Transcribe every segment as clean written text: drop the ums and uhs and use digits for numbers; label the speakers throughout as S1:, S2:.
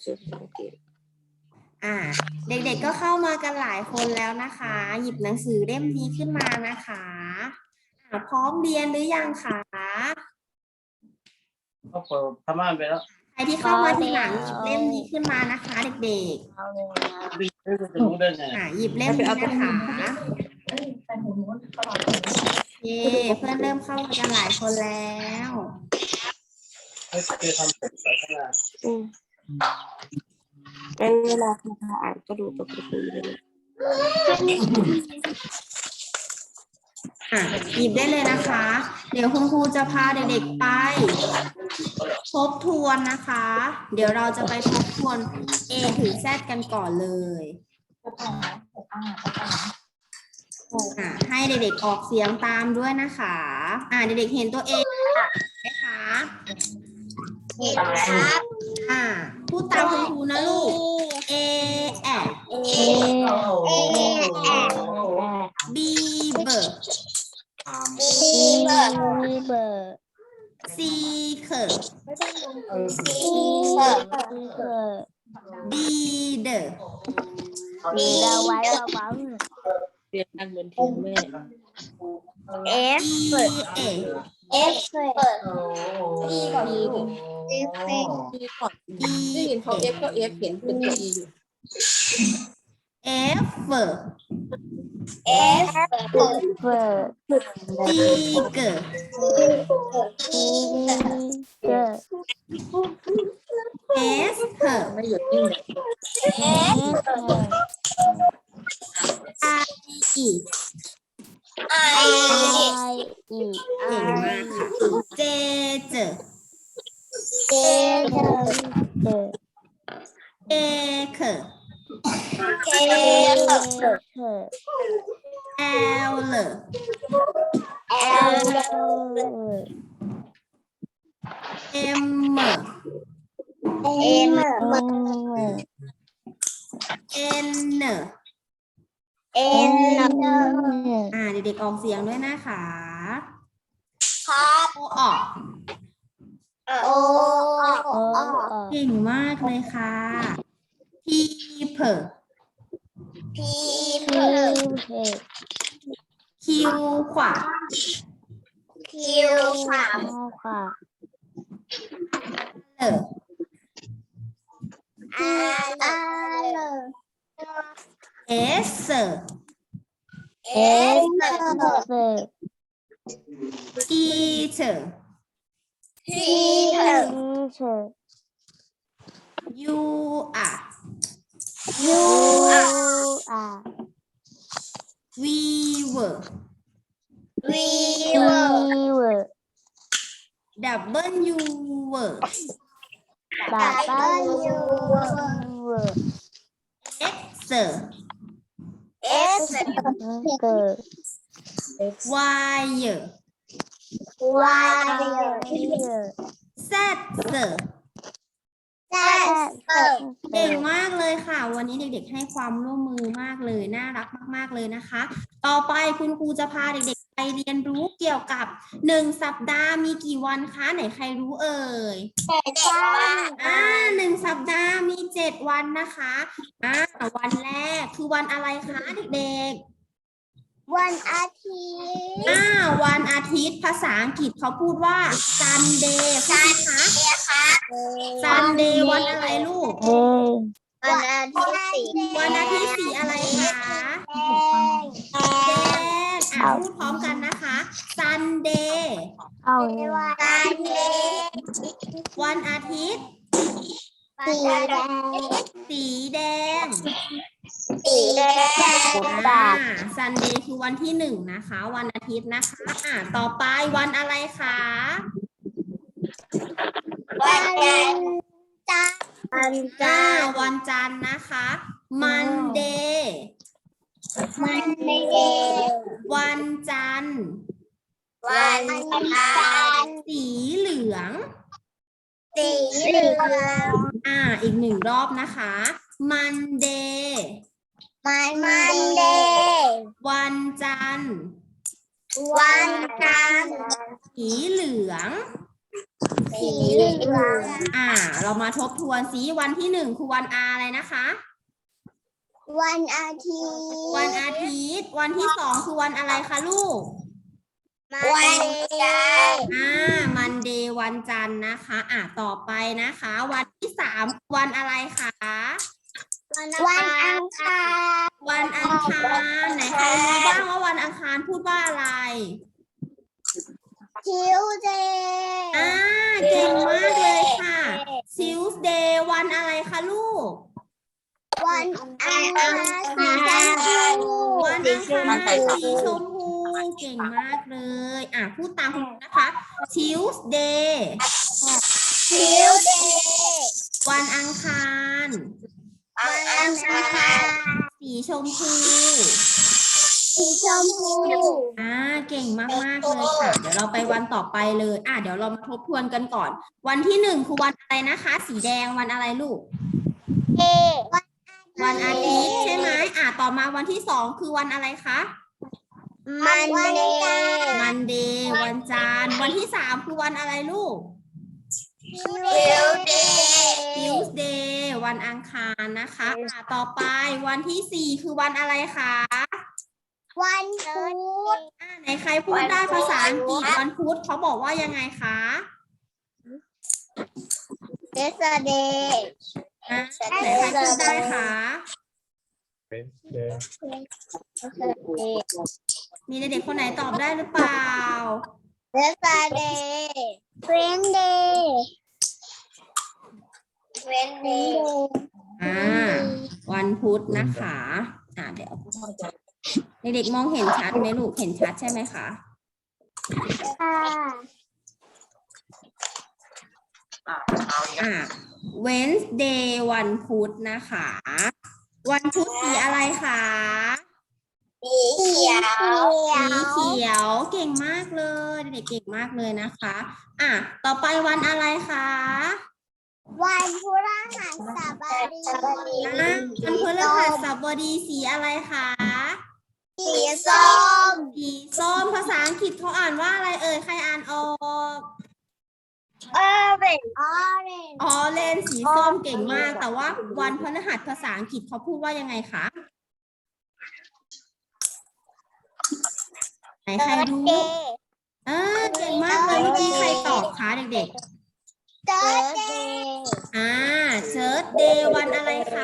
S1: เด็กๆก็เข้ามากันหลายคนแล้วนะคะ หยิบหนังสือเล่มนี้ขึ้นมานะคะพร้อมเรียนหรือยังคะ
S2: ก็เปิดพม่านไปแล้ว
S1: ใครที่เข้ามาทีหลังหยิบเล่มนี้ขึ้นมานะคะ เด็ก
S2: บีจะรู้ได้ไง
S1: ๆหยิบเล่มนี้นะคะโอเคเพื่อนเริ่มเข้ามากันหลายคนแล้ว
S2: ไม่เคยทำเป็นศาสนา
S3: เป็นเวลาคุณตาอ่านก็ดูตัวการ์ตูนเลย
S1: หยิบได้เลยนะคะ เดี๋ยวคุณครูจะพาเด็กๆไปทบทวนนะคะ เดี๋ยวเราจะไปทบทวน A ถึง Z กันก่อนเลยให้เด็กๆออกเสียงตามด้วยนะคะเด็กๆเห็นตัว A ไหมคะเห็นครับพูดตามคุณครูนะลูก A B B C K D D
S3: ไว้เบา
S4: เรียนนั่งบนเทียงแม่
S3: ๆ F
S1: E A
S3: F
S4: ดีก่อนได้ยินเขา F ก็ F เห็นเป็นตัว E อยู่
S1: F
S3: F
S1: C G S H
S4: ไม่หยุดนิ่ง
S1: I E เก่งมากค่ะ J J K K L M N เด็กๆออกเสียงด้วยนะคะโอออกเก่งมากเลยค่ะ P P Q ขวา S T U R V W X Y Z เก่งมากเลยค่ะ วันนี้เด็กๆให้ความร่วมมือมากเลยน่ารักมากๆเลยนะคะ ต่อไปคุณครูจะพาเด็กๆไปเรียนรู้เกี่ยวกับ1 สัปดาห์มีกี่วันคะไหนใครรู้เอ่ย1 สัปดาห์มี 7 วันนะคะวันแรกคือวันอะไรคะเด็กๆ
S3: วันอาทิตย์
S1: วันอาทิตย์ภาษาอังกฤษเขาพูดว่า Sunday ใช่ไหมคะ Sunday วันอะไรลูก
S3: วันอาทิตย์สี
S1: วันอาทิตย์สีอะไรคะแดงพูดพร้อมกันนะคะ Sunday วันอาทิตย์สีแดง Sunday คือวันที่1นะคะวันอาทิตย์นะคะต่อไปวันอะไรคะ
S3: วันจันทร์
S1: วันจันทร์นะคะ Monday วันจันทร์สีเหลืองอีก1 รอบนะคะ Monday วันจันทร์สีเหลือง
S3: สีเหลือง
S1: เรามาทบทวนสิวันที่หนึ่งคือวันอะไรนะคะ
S3: วันอาทิตย์
S1: วันอาทิตย์ วันที่สองคือวันอะไรคะลูก
S3: วันจันทร์
S1: มันเดย์วันจันทร์นะคะ ต่อไปนะคะ วันที่สามวันอะไรคะ
S3: วันอังคาร
S1: วันอังคารไหนใครรู้บ้างว่าวันอังคารพูดว่าอะไร
S3: ทิวเดย์
S1: เก่งมากเลยค่ะ Tuesday วันอะไรคะลูก
S3: วันอังคารสีชมพู
S1: วันอังคารสีชมพูเก่งมากเลย พูดตามคุณนะคะ Tuesday
S3: ทิวเดย์
S1: วันอังคาร
S3: วันอังคาร
S1: สีชมพู
S3: สีชมพู
S1: เก่งมากๆเลยค่ะ เดี๋ยวเราไปวันต่อไปเลย เดี๋ยวเรามาทบทวนกันก่อน วันที่หนึ่งคือวันอะไรนะคะ สีแดงวันอะไรลูก
S3: เอ
S1: วันอาทิตย์ใช่ไหมต่อมาวันที่สองคือวันอะไรคะ
S3: มันเดย์
S1: มันเดย์วันจันทร์วันที่สามคือวันอะไรลูก
S3: ทิวเดย์
S1: Tuesday วันอังคารนะคะ ต่อไปวันที่สี่คือวันอะไรคะ
S3: วันพุธ
S1: ไหนใครพูดได้ภาษาอังกฤษวันพุธเขาบอกว่ายังไงคะ
S3: เดสเดย์
S1: ไหนใครพูดได้คะ มีเด็กๆคนไหนตอบได้หรือเปล่า
S3: เดสเดย์เฟรนเดย์เฟรนเดย์
S1: วันพุธนะคะเดี๋ยวเด็กๆมองเห็นชัดไหมลูกเห็นชัดใช่ไหมคะ Wednesday วันพุธนะคะ วันพุธสีอะไรคะ
S3: สีเขียว
S1: สีเขียวเก่งมากเลยเด็กๆเก่งมากเลยนะคะต่อไปวันอะไรคะ
S3: วันพฤหัสบดี
S1: วันพฤหัสบดีสีอะไรคะ
S3: สีส้ม
S1: สีส้มภาษาอังกฤษเขาอ่านว่าอะไรเอ่ยใครอ่านออก
S3: orange
S1: อ๋อเลนสีส้มเก่งมากแต่ว่าวันพฤหัสภาษาอังกฤษเขาพูดว่ายังไงคะไหนใครรู้เก่งมากเลยเมื่อกี้ใครตอบคะเด็กๆ
S3: Thursday
S1: เชิร์ตเดย์วันอะไรคะ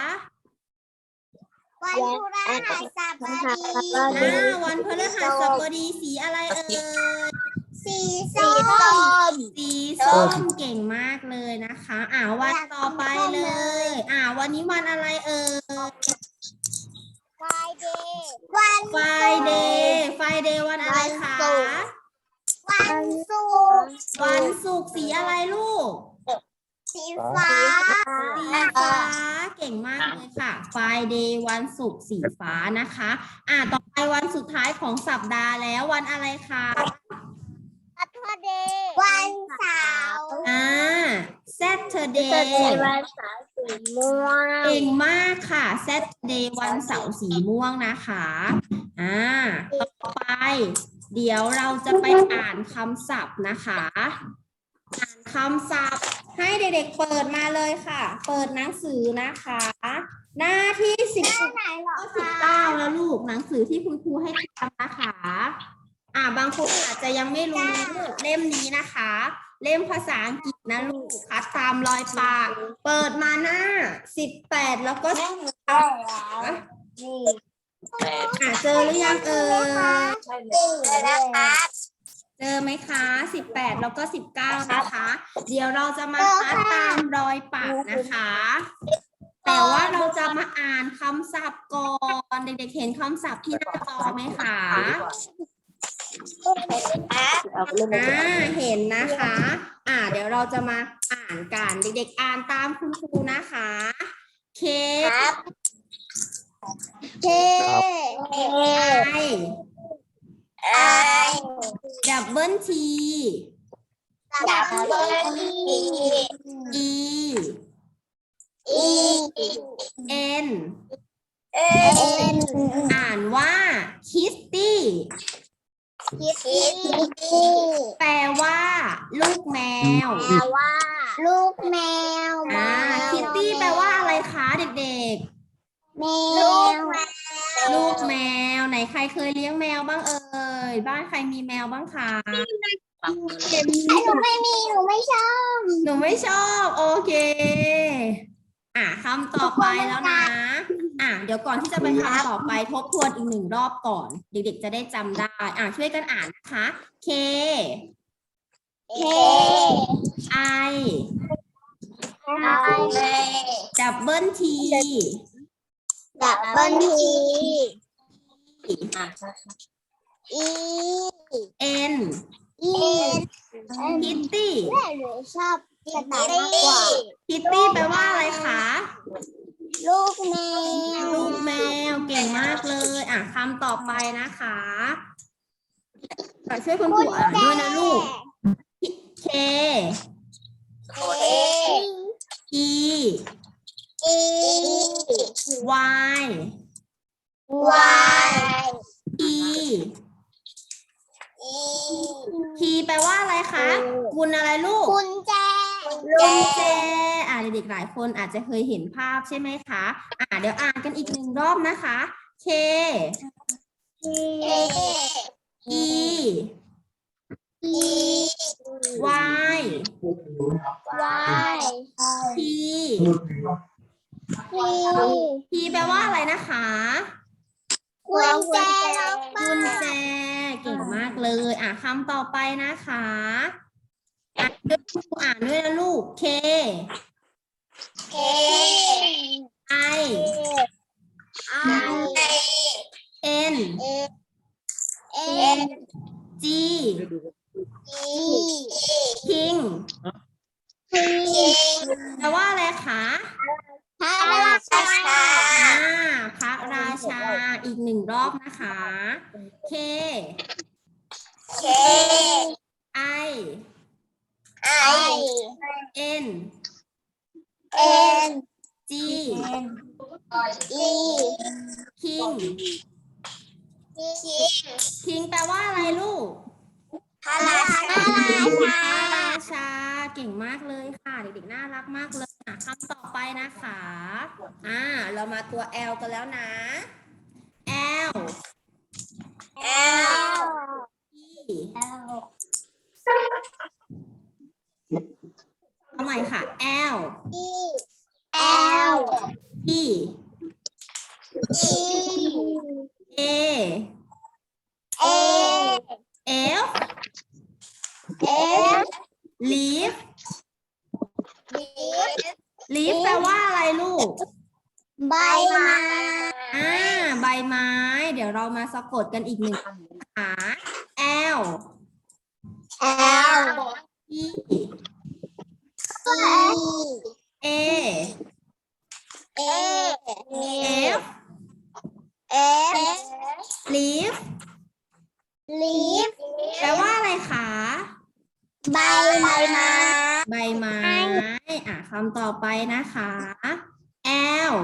S3: วันพฤหัสบดี
S1: วันพฤหัสบดีสีอะไรเอ่ย
S3: สีส้ม
S1: สีส้มเก่งมากเลยนะคะวันต่อไปเลยวันนี้วันอะไรเอ่ย
S3: Friday
S1: ไฟเดย์วันอะไรคะ
S3: วันศุกร์
S1: วันศุกร์สีอะไรลูก
S3: สีฟ้า
S1: สีฟ้าเก่งมากเลยค่ะไฟเดย์วันศุกร์สีฟ้านะคะต่อไปวันสุดท้ายของสัปดาห์แล้ววันอะไรคะ
S3: Saturday วันเสาร์
S1: Saturday
S3: วันเสาร์สีม่วง
S1: เก่งมากค่ะ Saturday วันเสาร์สีม่วงนะคะต่อไปเดี๋ยวเราจะไปอ่านคำศัพท์นะคะอ่านคำศัพท์ให้เด็กๆเปิดมาเลยค่ะเปิดหนังสือนะคะหน้าที่19แล้วลูกหนังสือที่คุณครูให้ทำนะคะบางคนอาจจะยังไม่รู้เล่มนี้นะคะเล่มภาษาอังกฤษนะลูกคัดตามรอยปากเปิดมาหน้า18แล้วก็เจอหรือยังเอ่ยเจอไหมคะ18แล้วก็19นะคะเดี๋ยวเราจะมาคัดตามรอยปากนะคะแต่ว่าเราจะมาอ่านคำศัพท์ก่อนเด็กๆเห็นคำศัพท์ที่หน้าจอไหมคะเห็นนะคะเดี๋ยวเราจะมาอ่านกันเด็กๆอ่านตามคุณครูนะคะเคก
S3: K
S1: I double T E N อ่านว่าคิสตี้
S3: คิตตี้
S1: แปลว่า ลูกแมว
S3: แปลว่า ลูกแมว
S1: คิตตี้แปลว่าอะไรคะเด็ก
S3: แมว
S1: ๆ ลูกแมวไหนใครเคยเลี้ยงแมวบ้างเอ่ยบ้านใครมีแมวบ้างคะ
S4: ฟังมือ
S3: หนูไม่มี หนูไม่ชอบ
S1: หนูไม่ชอบโอเคคำต่อไปแล้วนะเดี๋ยวก่อนที่จะไปคำต่อไปทบทวนอีกหนึ่งรอบก่อน เด็กๆจะได้จำได้ช่วยกันอ่านนะคะ K
S3: K
S1: I
S3: I
S1: double T
S3: ดับเบิลที
S4: อ่ะ
S3: E
S1: N
S3: E
S1: Kitty
S3: หนูชอบกระต่ายมากกว่า
S1: Kitty แปลว่าอะไรคะ
S3: ลูกแมว
S1: ลูกแมวเก่งมากเลยคำต่อไปนะคะช่วยคุณครูอ่านด้วยนะลูก K
S3: A
S1: E
S3: E
S1: Y
S3: Y
S1: P
S3: E
S1: P แปลว่าอะไรคะกุญอะไรลูก
S3: กุญแจ
S1: กุญแจเด็กๆหลายคนอาจจะเคยเห็นภาพใช่ไหมคะเดี๋ยวอ่านกันอีกหนึ่งรอบนะคะ K
S3: A
S1: E
S3: E
S1: Y
S3: Y
S1: P
S3: P
S1: P แปลว่าอะไรนะคะ
S3: กุญแจล็อกบ้า
S1: กุญ
S3: น
S1: แจเก่งมากเลยคำต่อไปนะคะอ่านด้วยนะลูก K
S3: K
S1: I
S3: I
S1: N
S3: N
S1: G
S3: E
S1: King
S3: P
S1: แปลว่าอะไรคะ
S3: พระราชา
S1: พระราชาอีกหนึ่งรอบนะคะ K
S3: K
S1: I
S3: I
S1: N
S3: N
S1: G
S3: E
S1: King
S3: King
S1: King แปลว่าอะไรลูก
S3: พระราชา
S1: พระราชาเก่งมากเลยค่ะเด็กๆน่ารักมากเลยคำต่อไปนะคะเรามาตัว L กันแล้วนะ L
S3: L
S1: E เอาใหม่ค่ะ L
S3: E L
S1: E
S3: E
S1: A
S3: A
S1: F
S3: F
S1: Leaf
S3: D
S1: Leaf แปลว่าอะไรลูก
S3: ใบไม้
S1: ใบไม้ เดี๋ยวเรามาสะกดกันอีกหนึ่งคำนะคะ L
S3: L
S1: E
S3: E
S1: A
S3: A
S1: F
S3: F
S1: Leaf
S3: Leaf
S1: แปลว่าอะไรคะ
S3: ใบไม้
S1: ใบไม้คำต่อไปนะคะ L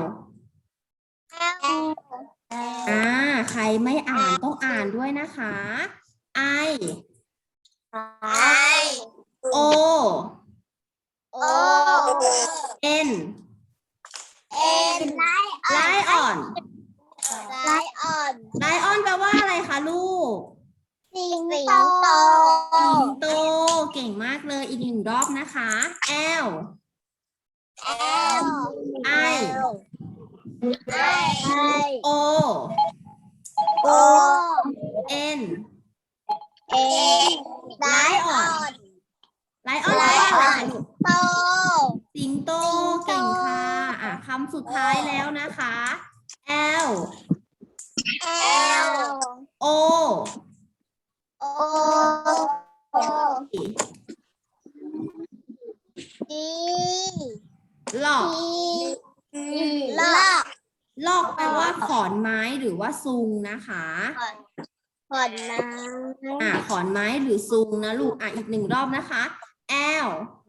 S3: L
S1: ใครไม่อ่านต้องอ่านด้วยนะคะ I
S3: I
S1: O
S3: O
S1: N
S3: N
S1: Lion
S3: Lion
S1: Lion แปลว่าอะไรคะลูก
S3: สิงโต
S1: สิงโตเก่งมากเลยอีกหนึ่งรอบนะคะ L
S3: L
S1: I
S3: I
S1: O
S3: O
S1: N
S3: N
S1: Lion Lion แปลว่าอะไรคะลูก
S3: โต
S1: สิงโตเก่งค่ะคำสุดท้ายแล้วนะคะ L
S3: L
S1: O
S3: O E
S1: Lock
S3: E ลอก
S1: Lock แปลว่าขอนไม้หรือว่าซุงนะคะ
S3: ขอนน้ำ
S1: ขอนไม้หรือซุงนะลูกอีกหนึ่งรอบนะคะ L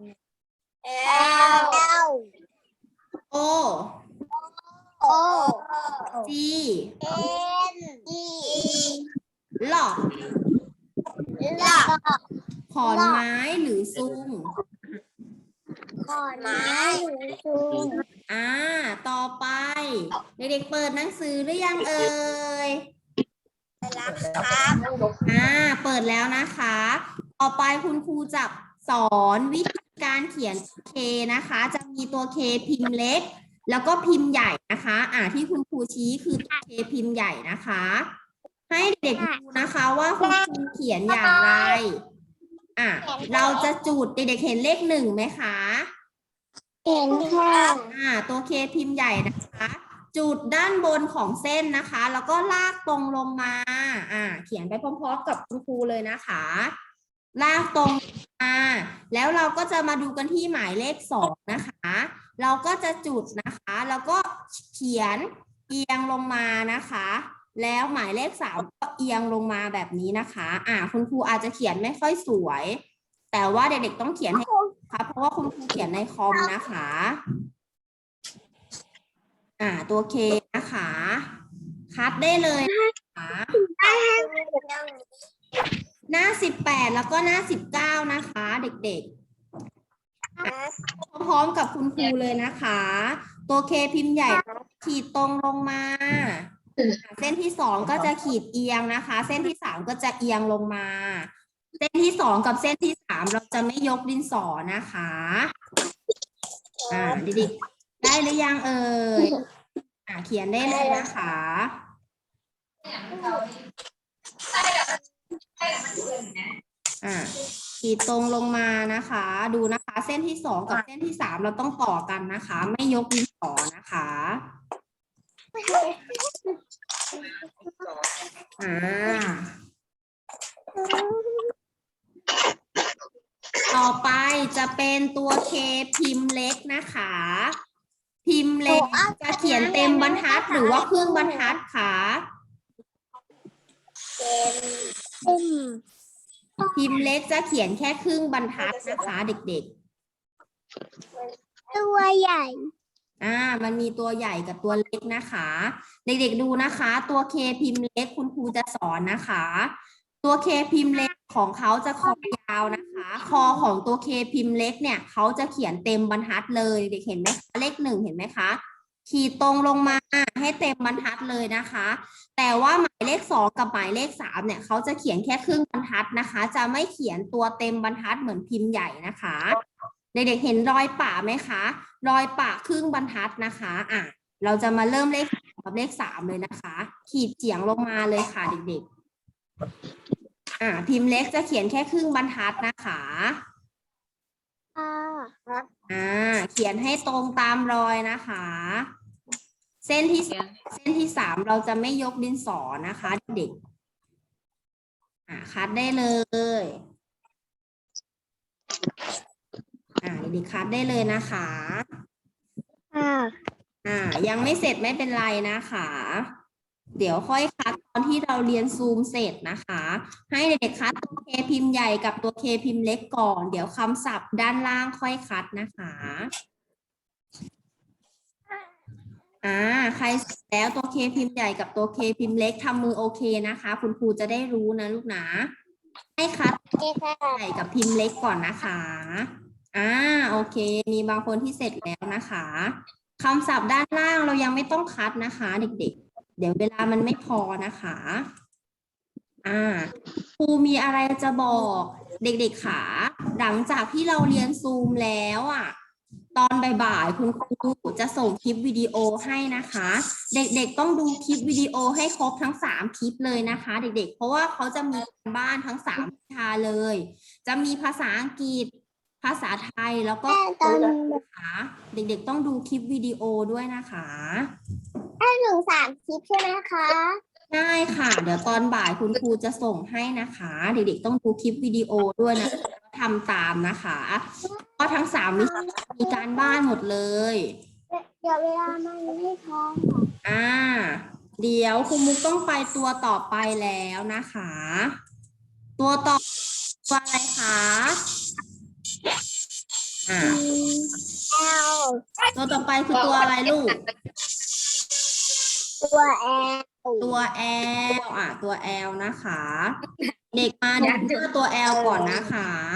S3: L
S1: O
S3: O
S1: G
S3: N E
S1: Lock
S3: ลอก
S1: ขอนไม้หรือซุง
S3: ขอนไม้หรือซุง
S1: ต่อไป เด็กๆเปิดหนังสือหรือยังเอ่ย
S3: แล้วครับ
S1: เปิดแล้วนะคะ ต่อไปคุณครูจะสอนวิธีการเขียนเคนะคะ จะมีตัวเคพิมพ์เล็ก แล้วก็พิมพ์ใหญ่นะคะ ที่คุณครูชี้คือตัวเคพิมพ์ใหญ่นะคะ ให้เด็กดูนะคะว่าคุณครูเขียนอย่างไร เราจะจุดเด็กๆเห็นเลข 1ไหมคะ
S3: เห็นค่ะ
S1: ตัวเคพิมพ์ใหญ่นะคะ จุดด้านบนของเส้นนะคะ แล้วก็ลากตรงลงมา เขียนไปพร้อมๆกับคุณครูเลยนะคะ ลากตรงมาแล้วเราก็จะมาดูกันที่หมายเลข 2นะคะ เราก็จะจุดนะคะ แล้วก็เขียนเอียงลงมานะคะ แล้วหมายเลข 3ก็เอียงลงมาแบบนี้นะคะ คุณครูอาจจะเขียนไม่ค่อยสวย แต่ว่าเด็กๆต้องเขียนให้ค่ะเพราะว่าคุณครูเขียนในคอมนะคะ ตัวเคนะคะ คัดได้เลยนะคะหน้า 18 แล้วก็หน้า 19นะคะ เด็กๆพร้อมๆกับคุณครูเลยนะคะ ตัวเคพิมพ์ใหญ่ขีดตรงลงมา เส้นที่ 2ก็จะขีดเอียงนะคะ เส้นที่ 3ก็จะเอียงลงมา เส้นที่ 2กับเส้นที่ 3เราจะไม่ยกดินสอนะคะเด็กๆได้หรือยังเอ่ยเขียนได้เลยนะคะขีดตรงลงมานะคะ ดูนะคะ เส้นที่ 2กับเส้นที่ 3เราต้องต่อกันนะคะ ไม่ยกดินสอนะคะต่อไปจะเป็นตัวเคพิมพ์เล็กนะคะ พิมพ์เล็กจะเขียนเต็มบรรทัดหรือว่าครึ่งบรรทัดคะพิมพ์เล็กจะเขียนแค่ครึ่งบรรทัดนะคะเด็ก
S3: ๆตัวใหญ่
S1: มันมีตัวใหญ่กับตัวเล็กนะคะ เด็กๆดูนะคะ ตัวเคพิมพ์เล็กคุณครูจะสอนนะคะ ตัวเคพิมพ์เล็กของเขาจะคอยาวนะคะ คอของตัวเคพิมพ์เล็กเนี่ยเขาจะเขียนเต็มบรรทัดเลยเด็กเห็นไหมคะเลข 1เห็นไหมคะขีดตรงลงมาให้เต็มบรรทัดเลยนะคะ แต่ว่าหมายเลข 2กับหมายเลข 3เนี่ยเขาจะเขียนแค่ครึ่งบรรทัดนะคะ จะไม่เขียนตัวเต็มบรรทัดเหมือนพิมพ์ใหญ่นะคะเด็กๆเห็นรอยปะไหมคะรอยปะครึ่งบรรทัดนะคะเราจะมาเริ่มเลขกับเลข 3เลยนะคะ ขีดเฉียงลงมาเลยค่ะเด็กๆพิมพ์เล็กจะเขียนแค่ครึ่งบรรทัดนะคะเขียนให้ตรงตามรอยนะคะ เส้นที่ 3เราจะไม่ยกดินสอนะคะเด็กคัดได้เลยเด็กคัดได้เลยนะคะยังไม่เสร็จไม่เป็นไรนะคะ เดี๋ยวค่อยคัดตอนที่เราเรียนซูมเสร็จนะคะ ให้เด็กๆคัดตัวเคพิมพ์ใหญ่กับตัวเคพิมพ์เล็กก่อนเดี๋ยวคำศัพท์ด้านล่างค่อยคัดนะคะใครเสร็จแล้วตัวเคพิมพ์ใหญ่กับตัวเคพิมพ์เล็กทำมือโอเคนะคะ คุณครูจะได้รู้นะลูกนะให้คัดใหญ่กับพิมพ์เล็กก่อนนะคะโอเคมีบางคนที่เสร็จแล้วนะคะคำศัพท์ด้านล่างเรายังไม่ต้องคัดนะคะเด็กๆเดี๋ยวเวลามันไม่พอนะคะครูมีอะไรจะบอกเด็กๆค่ะหลังจากที่เราเรียนซูมแล้วตอนบ่ายๆคุณครูจะส่งคลิปวิดีโอให้นะคะ เด็กๆต้องดูคลิปวิดีโอให้ครบทั้ง3คลิปเลยนะคะเด็กๆเพราะว่าเขาจะมีการบ้านทั้ง3วิชาเลยจะมีภาษาอังกฤษภาษาไทยแล้วก็นะคะเด็กๆต้องดูคลิปวิดีโอด้วยนะคะ
S3: 3 คลิปใช่ไหมคะ
S1: ใช่ค่ะเดี๋ยวตอนบ่ายคุณครูจะส่งให้นะคะเด็กๆต้องดูคลิปวิดีโอด้วยนะทำตามนะคะเพราะทั้ง3วิชามีการบ้านหมดเลย
S3: เดี๋ยวเวลามันไม่พอ
S1: เดี๋ยวครูมุกต้องไปตัวต่อไปแล้วนะคะตัวต่อตัวอะไรคะตัวต่อไปคือตัวอะไรลูก
S3: ตัว L
S1: ตัว L ตัว L นะคะเด็กมาดูหน้าตัว L ก่อนนะคะ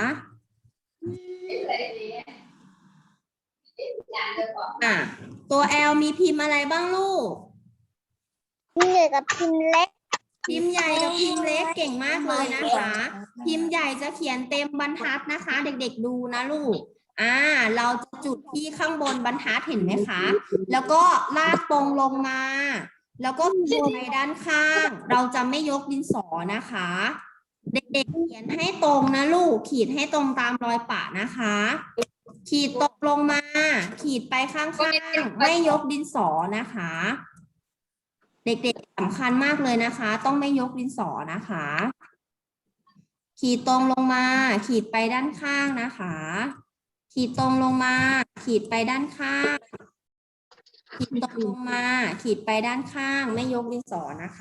S1: ตัว L มีพิมพ์อะไรบ้างลูก
S3: พิมพ์ใหญ่กับพิมพ์เล็ก
S1: พิมพ์ใหญ่กับพิมพ์เล็กเก่งมากเลยนะคะ พิมพ์ใหญ่จะเขียนเต็มบรรทัดนะคะ เด็กๆดูนะลูก เราจะจุดที่ข้างบนบรรทัดเห็นไหมคะ แล้วก็ลากตรงลงมา แล้วก็ขีดไปด้านข้าง เราจะไม่ยกดินสอนะคะ เด็กๆเขียนให้ตรงนะลูก ขีดให้ตรงตามรอยปะนะคะ ขีดตรงลงมา ขีดไปข้างๆ ไม่ยกดินสอนะคะ เด็กๆสำคัญมากเลยนะคะ ต้องไม่ยกดินสอนะคะ ขีดตรงลงมา ขีดไปด้านข้างนะคะ ขีดตรงลงมา ขีดไปด้านข้าง ขีดตรงลงมา ขีดไปด้านข้าง ไม่ยกดินสอนะคะ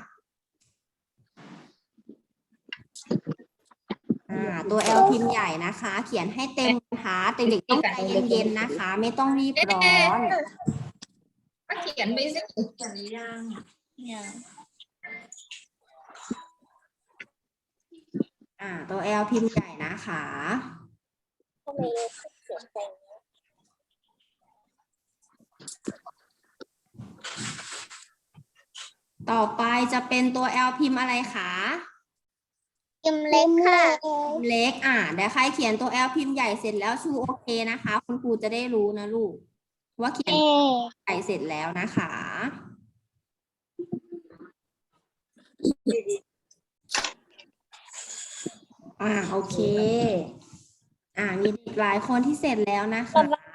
S1: ตัว L พิมพ์ใหญ่นะคะ เขียนให้เต็มบรรทัดเด็กๆต้องใจเย็นๆนะคะ ไม่ต้องรีบร้อน
S4: เขียนไปสิ
S1: ตัว L พิมพ์ใหญ่นะคะ ต่อไปจะเป็นตัว L พิมพ์อะไรคะ
S3: พิมพ์เล็กค่ะ
S1: พิมพ์เล็กเดี๋ยวใครเขียนตัว L พิมพ์ใหญ่เสร็จแล้วชูโอเคนะคะ คุณครูจะได้รู้นะลูก ว่าเขียนใหญ่เสร็จแล้วนะคะ โอเค มีเด็กหลายคนที่เสร็จแล้วนะคะ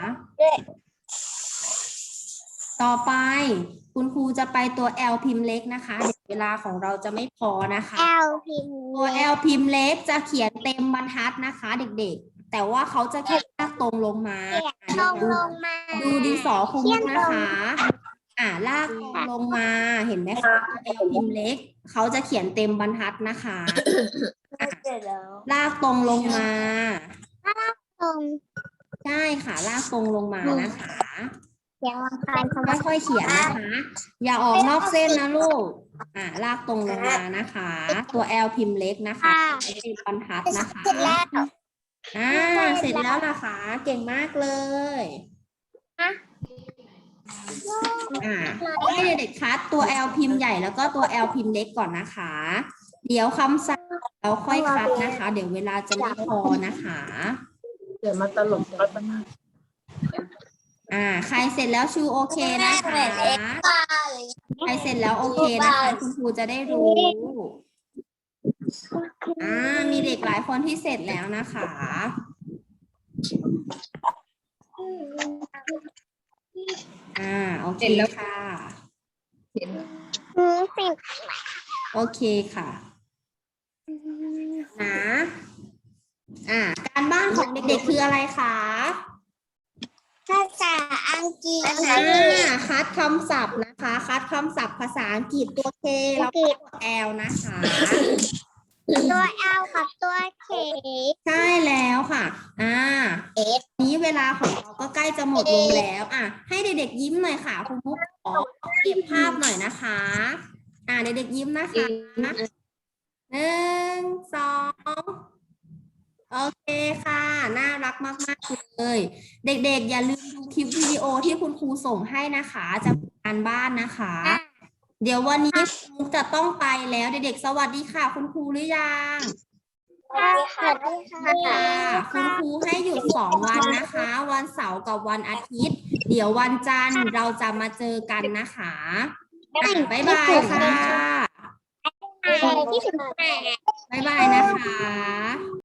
S1: ต่อไปคุณครูจะไปตัว L พิมพ์เล็กนะคะเดี๋ยวเวลาของเราจะไม่พอนะคะ
S3: L พิมพ์
S1: ตัว L พิมพ์เล็กจะเขียนเต็มบรรทัดนะคะเด็กๆ แต่ว่าเขาจะแค่ลากตรงลงมา
S3: ตรงลงมา
S1: ดูดินสอครูนะคะ ลากตรงลงมา เห็นไหมคะตัว L พิมพ์เล็ก เขาจะเขียนเต็มบรรทัดนะคะ
S3: เสร็จแล้ว
S1: ลากตรงลงมา
S3: ตรง
S1: ใช่ค่ะ ลากตรงลงมานะคะ
S3: เสียงลำคาญเขา
S1: ค่อยๆเขียนนะคะ อย่าออกนอกเส้นนะลูก ลากตรงลงมานะคะ ตัว L พิมพ์เล็กนะคะเป็นบรรทัดนะคะ
S3: เสร็จแล้ว
S1: เสร็จแล้วนะคะ เก่งมากเลยให้เด็กๆคัดตัว L พิมพ์ใหญ่แล้วก็ตัว L พิมพ์เล็กก่อนนะคะ เดี๋ยวคำสั่งเราค่อยคัดนะคะ เดี๋ยวเวลาจะไม่พอนะคะ
S4: เดี๋ยวมาตลกรถมัน
S1: ใครเสร็จแล้วชูโอเคนะคะ ใครเสร็จแล้วโอเคนะคะคุณครูจะได้รู้ มีเด็กหลายคนที่เสร็จแล้วนะคะ โอเคค่ะ
S3: สิบ
S1: โอเคค่ะ การบ้านของเด็กๆคืออะไรคะ
S3: ภาษาอังกฤษ
S1: คัดคำศัพท์นะคะ คัดคำศัพท์ภาษาอังกฤษตัว K แล้วก็ตัว L นะคะ
S3: ตัว L กับตัว K
S1: ใช่แล้วค่ะนี้เวลาของเราก็ใกล้จะหมดลงแล้วให้เด็กๆยิ้มหน่อยค่ะคุณมุกขอเก็บภาพหน่อยนะคะเด็กๆยิ้มนะคะ1 2โอเคค่ะน่ารักมากๆเลยเด็กๆอย่าลืมดูคลิปวิดีโอที่คุณครูส่งให้นะคะจะเป็นการบ้านนะคะ เดี๋ยววันนี้คุณมุกจะต้องไปแล้วเด็กๆสวัสดีค่ะคุณครูหรือยัง
S3: สวัสดีค่ะ
S1: คุณครูให้หยุด2 วันนะคะ วันเสาร์กับวันอาทิตย์ เดี๋ยววันจันทร์เราจะมาเจอกันนะคะบ๊ายบายค่ะ
S3: ที่สุด
S1: บ๊ายบายนะคะ